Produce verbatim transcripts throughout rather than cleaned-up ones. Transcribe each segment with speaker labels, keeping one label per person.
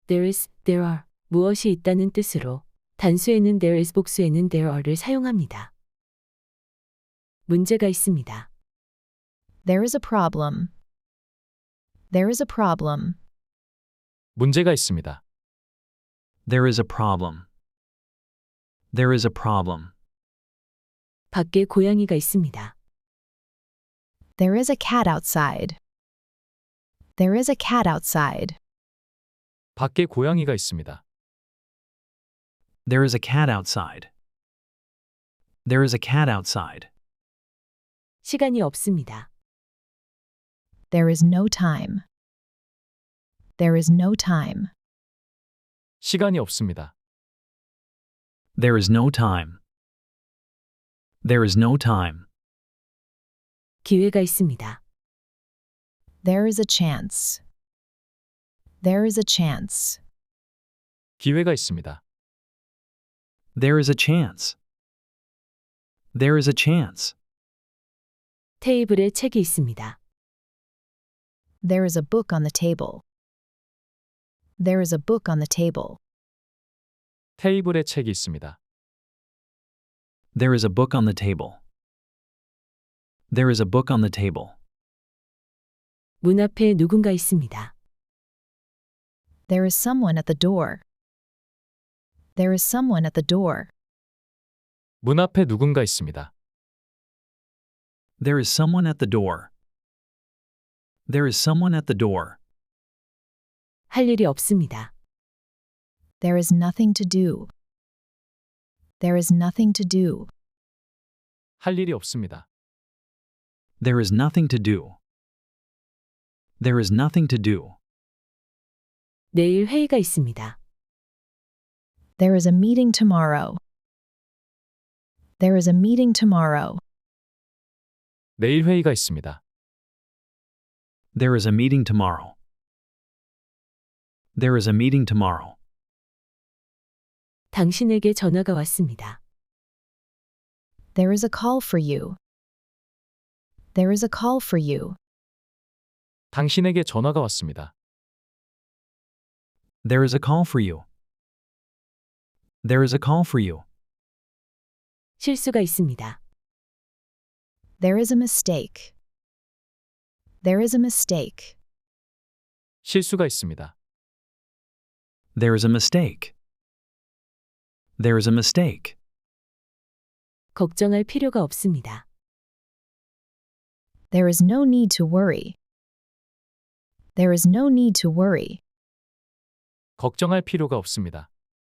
Speaker 1: there is, there are 무엇이 있다는 뜻으로 단수에는 there is 복수에는 there are를 사용합니다. 문제가 있습니다.
Speaker 2: There is a problem. There is a problem.
Speaker 3: 문제가 있습니다.
Speaker 4: There is a problem. There is a problem.
Speaker 1: 밖에 고양이가 있습니다.
Speaker 2: There is a cat outside. There is a cat outside.
Speaker 3: 밖에 고양이가 있습니다.
Speaker 4: There is a cat outside. There is a cat outside.
Speaker 1: 시간이 없습니다.
Speaker 2: There is no time. There is no time.
Speaker 3: 시간이 없습니다.
Speaker 4: There is no time. There is no time.
Speaker 1: 기회가 있습니다.
Speaker 2: There is a chance. There is a chance.
Speaker 3: 기회가 있습니다.
Speaker 4: There is a chance. There is a chance.
Speaker 1: 테이블에 책이 있습니다.
Speaker 2: There is a book on the table. There is a book on the table.
Speaker 3: 테이블에 책이 있습니다.
Speaker 4: There is a book on the table. There is a book on the table.
Speaker 1: 문 앞에 누군가 있습니다.
Speaker 2: There is someone at the door. There is someone at the door.
Speaker 3: 문 앞에 누군가 있습니다.
Speaker 4: There is someone at the door. There is someone at the door.
Speaker 1: 할 일이 없습니다.
Speaker 2: There is nothing to do. There is nothing to do.
Speaker 3: 할 일이 없습니다.
Speaker 4: There is nothing to do. There is nothing to do.
Speaker 1: 내일 회의가 있습니다.
Speaker 2: There is a meeting tomorrow. There is a meeting tomorrow.
Speaker 3: 내일 회의가 있습니다.
Speaker 4: There is a meeting tomorrow. There is a meeting tomorrow.
Speaker 1: 당신에게 전화가 왔습니다.
Speaker 2: There is a call for you. There is a call for you.
Speaker 3: 당신에게 전화가 왔습니다.
Speaker 4: There is a call for you. There is a call for you.
Speaker 1: 실수가 있습니다.
Speaker 2: There is a mistake. There is a mistake.
Speaker 3: 실수가 있습니다.
Speaker 4: There is a mistake. There is a mistake.
Speaker 1: 걱정할 필요가 없습니다.
Speaker 2: There is no need to worry. There is no need to worry.
Speaker 3: 걱정할 필요가 없습니다.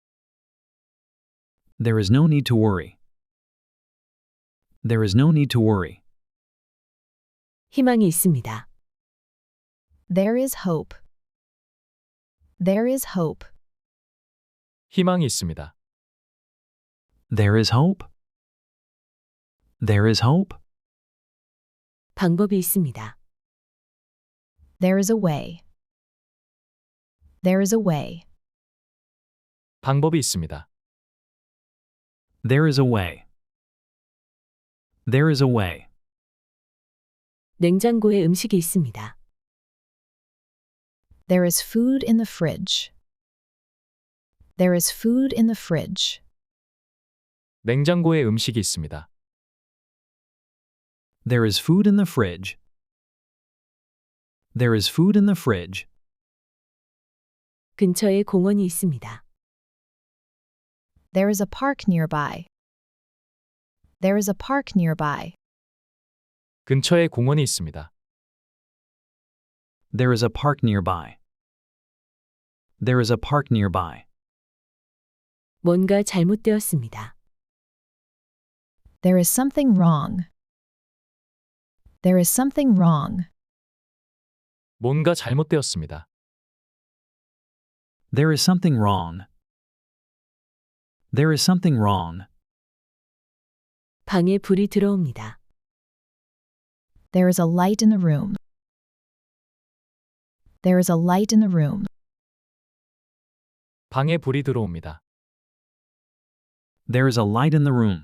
Speaker 4: There is no need to worry. There is no need to worry.
Speaker 1: 희망이 있습니다.
Speaker 2: There is hope. There is hope.
Speaker 3: 희망이 있습니다.
Speaker 4: There is hope. There is hope.
Speaker 1: 방법이 있습니다.
Speaker 2: There is a way. There is a way.
Speaker 3: 방법이 있습니다.
Speaker 4: There is a way. There is a way.
Speaker 1: 냉장고에 음식이 있습니다.
Speaker 2: There is food in the fridge. There is food in the fridge.
Speaker 3: 냉장고에 음식이 있습니다.
Speaker 4: There is food in the fridge. There is food in the fridge.
Speaker 1: 근처에 공원이 있습니다.
Speaker 2: There is a park nearby. There is a park nearby.
Speaker 3: 근처에 공원이 있습니다.
Speaker 4: There is a park nearby. There is a park nearby.
Speaker 1: 뭔가 잘못되었습니다.
Speaker 2: There is something wrong. There is something wrong.
Speaker 3: 뭔가 잘못되었습니다.
Speaker 4: There is something wrong. There is something wrong.
Speaker 1: 방에 불이 들어옵니다.
Speaker 2: There is a light in the room. There is a light in the room.
Speaker 3: 방에 불이 들어옵니다.
Speaker 4: There is a light in the room.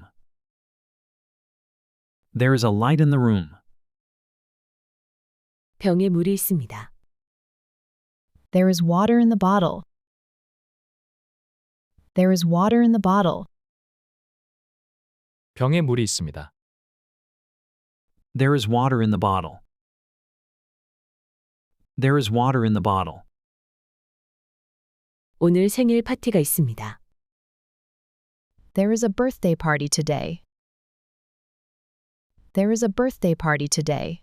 Speaker 4: There is a light in the room.
Speaker 1: 병에 물이 있습니다.
Speaker 2: There is water in the bottle. There is water in the bottle.
Speaker 3: 병에 물이 있습니다.
Speaker 4: There is water in the bottle. There is water in the bottle.
Speaker 1: 오늘 생일 파티가 있습니다.
Speaker 2: There is a birthday party today. There is a birthday party today.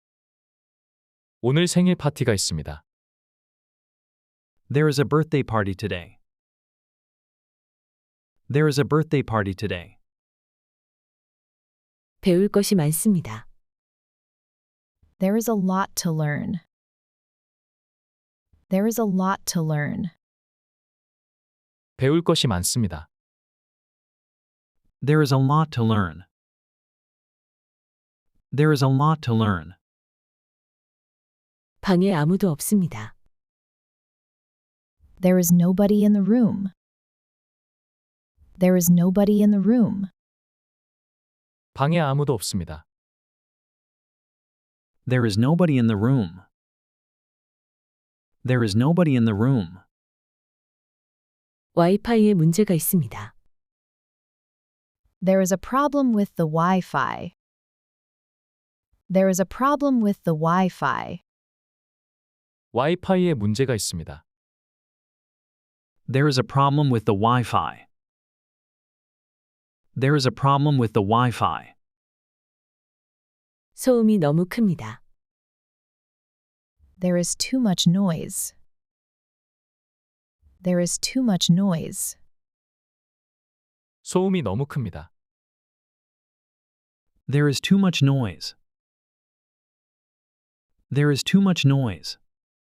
Speaker 3: 오늘 생일 파티가 있습니다.
Speaker 4: There is a birthday party today. There is a birthday party today.
Speaker 1: 배울 것이 많습니다.
Speaker 2: There is a lot to learn. There is a lot to learn.
Speaker 3: 배울 것이 많습니다.
Speaker 4: There is a lot to learn. There is a lot to learn.
Speaker 1: 방에 아무도 없습니다.
Speaker 2: There is nobody in the room. There is nobody in the room.
Speaker 3: 방에 아무도 없습니다.
Speaker 4: There is nobody in the room. There is nobody in the room.
Speaker 1: 와이파이에 문제가 있습니다.
Speaker 2: There is a problem with the Wi-Fi. There is a problem with the Wi-Fi.
Speaker 3: 와이파이에 문제가 있습니다.
Speaker 4: There is a problem with the Wi-Fi. There is a problem with the Wi-Fi.
Speaker 1: 소음이 너무 큽니다.
Speaker 2: There is too much noise. There is too much noise.
Speaker 3: 소음이 너무 큽니다.
Speaker 4: There is too much noise. There is too much noise.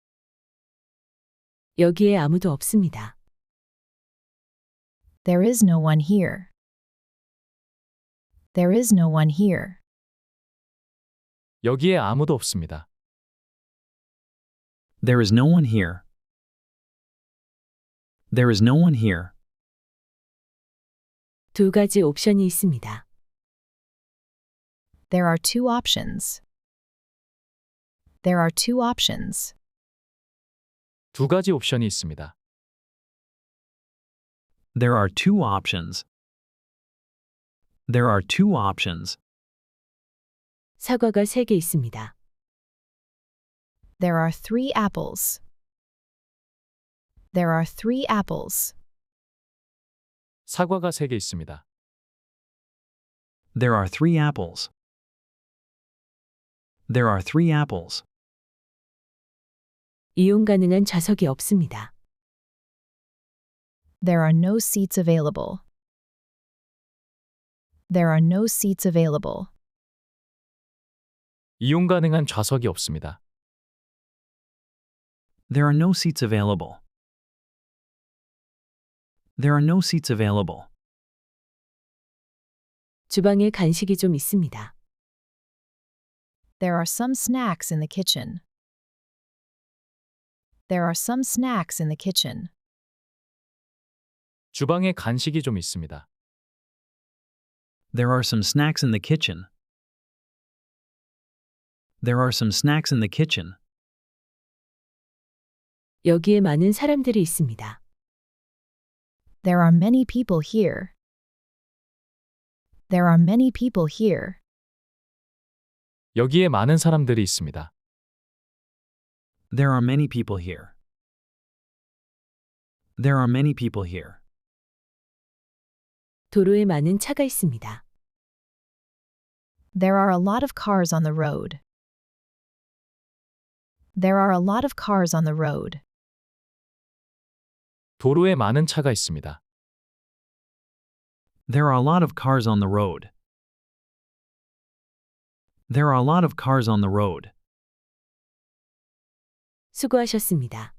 Speaker 1: 여기에 아무도 없습니다.
Speaker 2: There is no one here. There is no one here.
Speaker 3: 여기에 아무도 없습니다.
Speaker 4: There is no one here. There is no one here.
Speaker 1: 두 가지 옵션이 있습니다.
Speaker 2: There are two options. There are two options.
Speaker 3: 두 가지 옵션이 있습니다.
Speaker 4: There are two options. There are two options.
Speaker 1: 사과가 세 개 있습니다.
Speaker 2: There are three apples. There are three apples.
Speaker 3: 사과가 세 개 있습니다.
Speaker 4: There are three apples. There are three apples.
Speaker 1: 이용 가능한 좌석이 없습니다.
Speaker 2: There are no seats available. There are no seats available.
Speaker 3: 이용 가능한 좌석이 없습니다.
Speaker 4: There are no seats available. There are no seats available.
Speaker 1: 주방에 간식이 좀 있습니다.
Speaker 2: There are some snacks in the kitchen. There are some snacks in the kitchen.
Speaker 3: 주방에 간식이 좀 있습니다.
Speaker 4: There are some snacks in the kitchen. There are some snacks in the kitchen.
Speaker 1: 여기에 많은 사람들이 있습니다.
Speaker 2: There are many people here. There are many people here.
Speaker 3: 여기에 많은 사람들이 있습니다.
Speaker 4: There are many people here. There are many people here.
Speaker 1: 도로에 많은 차가 있습니다.
Speaker 2: There are a lot of cars on the road. There are a lot of cars on the road.
Speaker 3: 도로에 많은 차가 있습니다.
Speaker 4: There are a lot of cars on the road. There are a lot of cars on the road.
Speaker 1: 수고하셨습니다.